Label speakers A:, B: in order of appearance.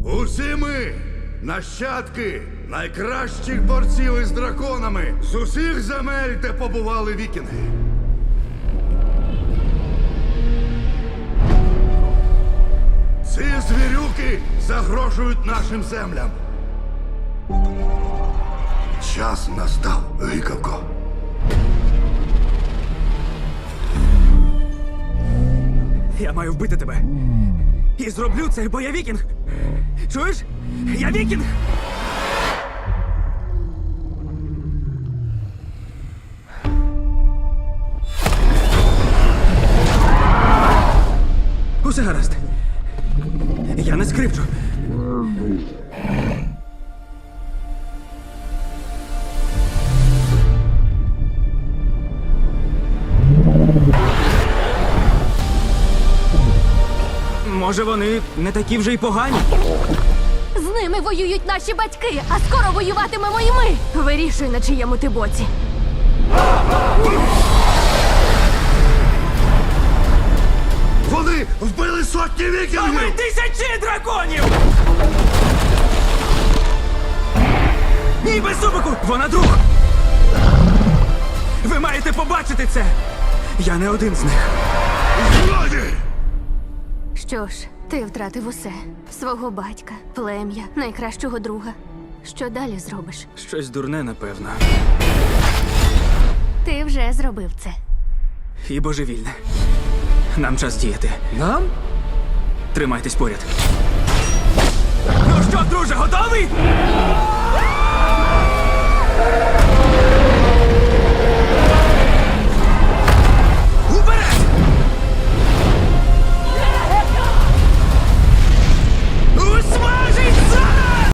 A: Усі ми нащадки найкращих борців із драконами з усіх земель, де побували вікінги. Ці звірюки загрожують нашим землям. Час настав, гикавко.
B: Я маю вбити тебе. І зроблю це, бо я вікінг. Чуєш? Я вікінг! Усе гаразд. Я не скрипчу. Може, вони не такі вже й погані?
C: З ними воюють наші батьки, а скоро воюватимемо і ми. Вирішуй, на чиєму ти боці.
A: Вони вбили сотні
B: А ми
A: вікінгів!
B: тисячі драконів! Ні, без зубику! Вона друг! Ви маєте побачити це! Я не один з них.
A: Злоді!
C: Що ж, ти втратив усе. Свого батька, плем'я, найкращого друга. Що далі зробиш?
B: Щось дурне, напевно.
C: Ти вже зробив це.
B: І божевільне. Нам час діяти.
D: Нам?
B: Тримайтесь поряд. Ну що, друже, готовий?